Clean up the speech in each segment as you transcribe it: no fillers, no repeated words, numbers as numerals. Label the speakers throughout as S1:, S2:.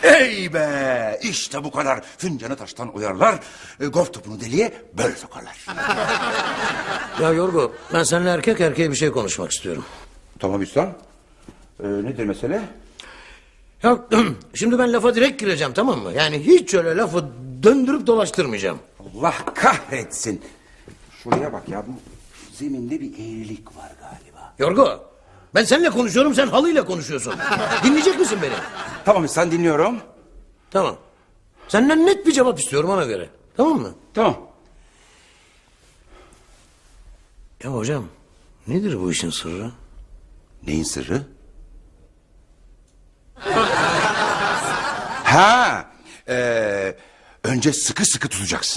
S1: Ey be! İşte bu kadar. Fincanı taştan oyarlar, golf topunu deliğe böyle sokarlar.
S2: Ya Yorgo, ben seninle erkek erkeğe bir şey konuşmak istiyorum.
S1: Tamam İhsan. Nedir mesele?
S2: Ya şimdi ben lafa direkt gireceğim, tamam mı? Yani hiç öyle lafı döndürüp dolaştırmayacağım.
S1: Allah kahretsin. Şuraya bak ya, bu zeminde bir eğrilik var galiba.
S2: Yorgo, ben seninle konuşuyorum, sen halıyla konuşuyorsun. Dinleyecek misin beni?
S1: Tamam İhsan, dinliyorum.
S2: Tamam. Senden net bir cevap istiyorum ona göre. Tamam mı?
S1: Tamam.
S2: Ya hocam, nedir bu işin sırrı?
S1: Neyin sırrı? Ha, önce sıkı sıkı tutacaksın.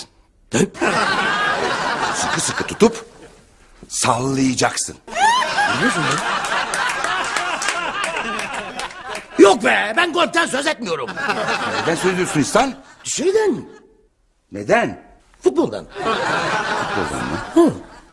S1: Sıkı sıkı tutup sallayacaksın.
S2: Biliyorsun mu? Yok be, ben golften söz etmiyorum.
S1: Neden söylüyorsun İhsan?
S2: Şeyden,
S1: Neden?
S2: futboldan.
S1: Futboldan mı?
S2: Hı.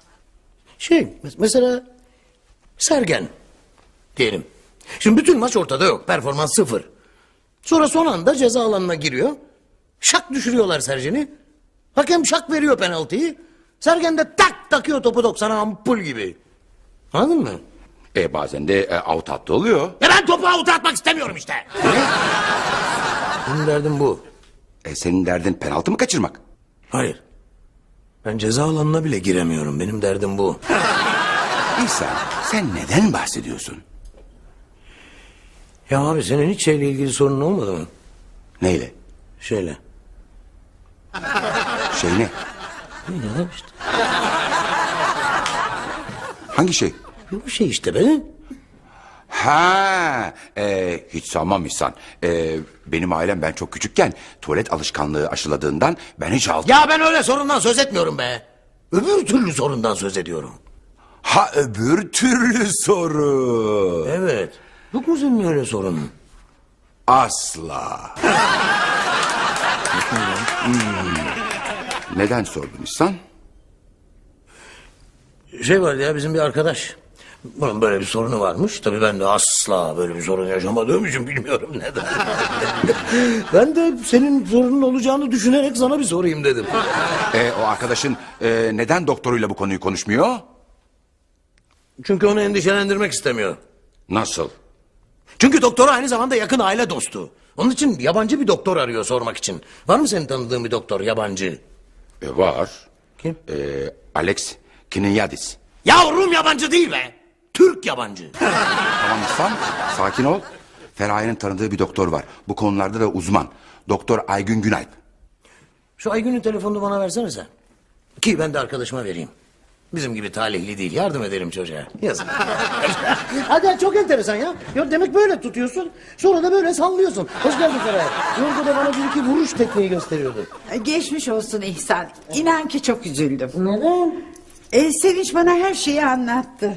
S2: Mesela Sergen diyelim. Şimdi bütün maç ortada yok, performans sıfır. Sonra son anda ceza alanına giriyor. Şak düşürüyorlar Sergen'i. Hakem şak veriyor penaltıyı. Sergen de tak takıyor topu 90'a, ampul gibi. Anladın mı?
S1: Bazen de out hattı oluyor.
S2: Ya ben topu avuta atmak istemiyorum işte. Benim derdim bu.
S1: Senin derdin penaltı mı kaçırmak?
S2: Hayır. Ben ceza alanına bile giremiyorum. Benim derdim bu.
S1: İhsan, sen neden bahsediyorsun?
S2: Ya abi, senin hiç şeyle ilgili sorunun olmadı mı?
S1: Neyle?
S2: Şeyle.
S1: Şey ne?
S2: Ya işte.
S1: Hangi şey?
S2: Bu şey işte be.
S1: Ha, hiç sanmam İhsan. Benim ailem ben çok küçükken tuvalet alışkanlığı aşıladığından ben hiç aldım.
S2: Ya ben öyle sorundan söz etmiyorum be. Öbür türlü sorundan söz ediyorum.
S1: Ha, öbür türlü soru.
S2: Evet. Yok mu senin öyle sorunun?
S1: Asla. Neden sordun İhsan?
S2: Şey vardı ya, bizim bir arkadaş. Bunun böyle bir sorunu varmış. Tabii ben de asla böyle bir sorun yaşamadığım için bilmiyorum neden. Ben de senin sorunun olacağını düşünerek sana bir sorayım dedim.
S1: O arkadaşın neden doktoruyla bu konuyu konuşmuyor?
S2: Çünkü onu endişelendirmek istemiyor.
S1: Nasıl?
S2: Çünkü doktor aynı zamanda yakın aile dostu. Onun için yabancı bir doktor arıyor sormak için. Var mı senin tanıdığın bir doktor yabancı?
S1: Var.
S2: Kim?
S1: Alex Kininyadis.
S2: Yavrum, yabancı değil be. Türk yabancı.
S1: Tamam İhsan, sakin ol. Feraye'nin tanıdığı bir doktor var. Bu konularda da uzman. Doktor Aygün Günalp.
S2: Şu Aygün'ün telefonunu bana versene sen. Ki ben de arkadaşıma vereyim. Bizim gibi talihli değil, yardım edelim çocuğa. Yazık. Hadi, çok enteresan ya. Ya demek böyle tutuyorsun, sonra da böyle sallıyorsun. Hoş geldin Feraye. Yorgo da bana bir iki vuruş tekniği gösteriyordu.
S3: Geçmiş olsun İhsan. İnan ki çok üzüldüm.
S2: Neden?
S3: Sevinç bana her şeyi anlattı.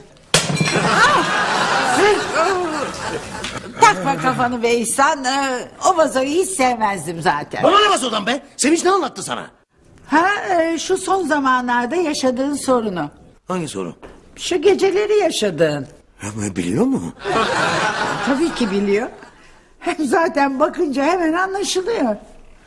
S3: Takma kafanı be İhsan. O vazoyu hiç sevmezdim zaten.
S2: Bana ne vazodan be? Sevinç ne anlattı sana?
S3: Şu son zamanlarda yaşadığın sorunu.
S2: Hangi sorun?
S3: Şu geceleri yaşadığın.
S2: Ya, biliyor mu?
S3: Tabii ki biliyor. Hem zaten bakınca hemen anlaşılıyor.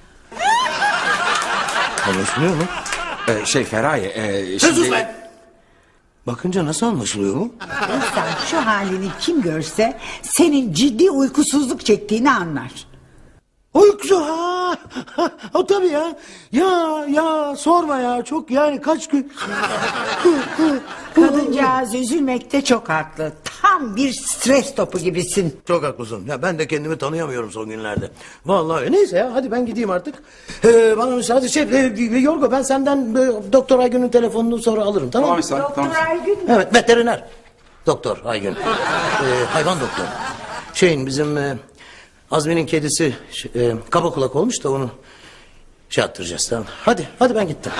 S2: Anlaşılıyor mu?
S1: Feraye...
S2: Sen sus be! Bakınca nasıl anlaşılıyor bu?
S3: İhsan, şu halini kim görse senin ciddi uykusuzluk çektiğini anlar.
S2: Uyku, o tabii ya. Ya sorma ya, çok yani kaç gün.
S3: Kadıncağız üzülmekte çok haklı. Tam bir stres topu gibisin.
S2: Çok haklısın. Ya ben de kendimi tanıyamıyorum son günlerde. Vallahi neyse ya, hadi ben gideyim artık. Bana müsaade Yorgo, ben senden Doktor Aygün'ün telefonunu sonra alırım, tamam mı?
S1: İhsan,
S3: Doktor Aygün mü?
S2: Evet, veteriner. Doktor Aygün. Hayvan doktor. Bizim Azmi'nin kedisi kaba kulak olmuş da onu attıracağız, tamam. Hadi ben gittim.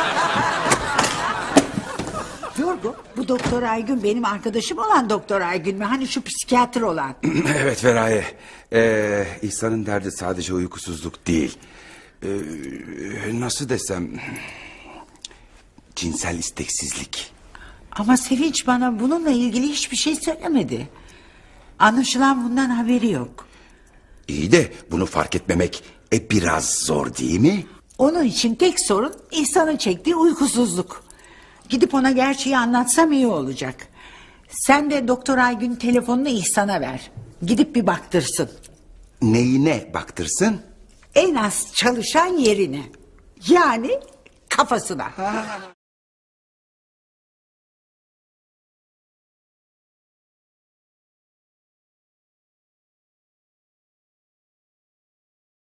S3: Yorgo, bu Doktor Aygün benim arkadaşım olan Doktor Aygün mü? Hani şu psikiyatr olan.
S1: Evet Feraye. İhsan'ın derdi sadece uykusuzluk değil. Nasıl desem... cinsel isteksizlik.
S3: Ama Sevinç bana bununla ilgili hiçbir şey söylemedi. Anlaşılan bundan haberi yok.
S1: İyi de bunu fark etmemek biraz zor değil mi?
S3: Onun için tek sorun İhsan'ın çektiği uykusuzluk. Gidip ona gerçeği anlatsam iyi olacak. Sen de Doktor Aygün telefonunu İhsan'a ver. Gidip bir baktırsın.
S1: Neyine baktırsın?
S3: En az çalışan yerine. Yani kafasına.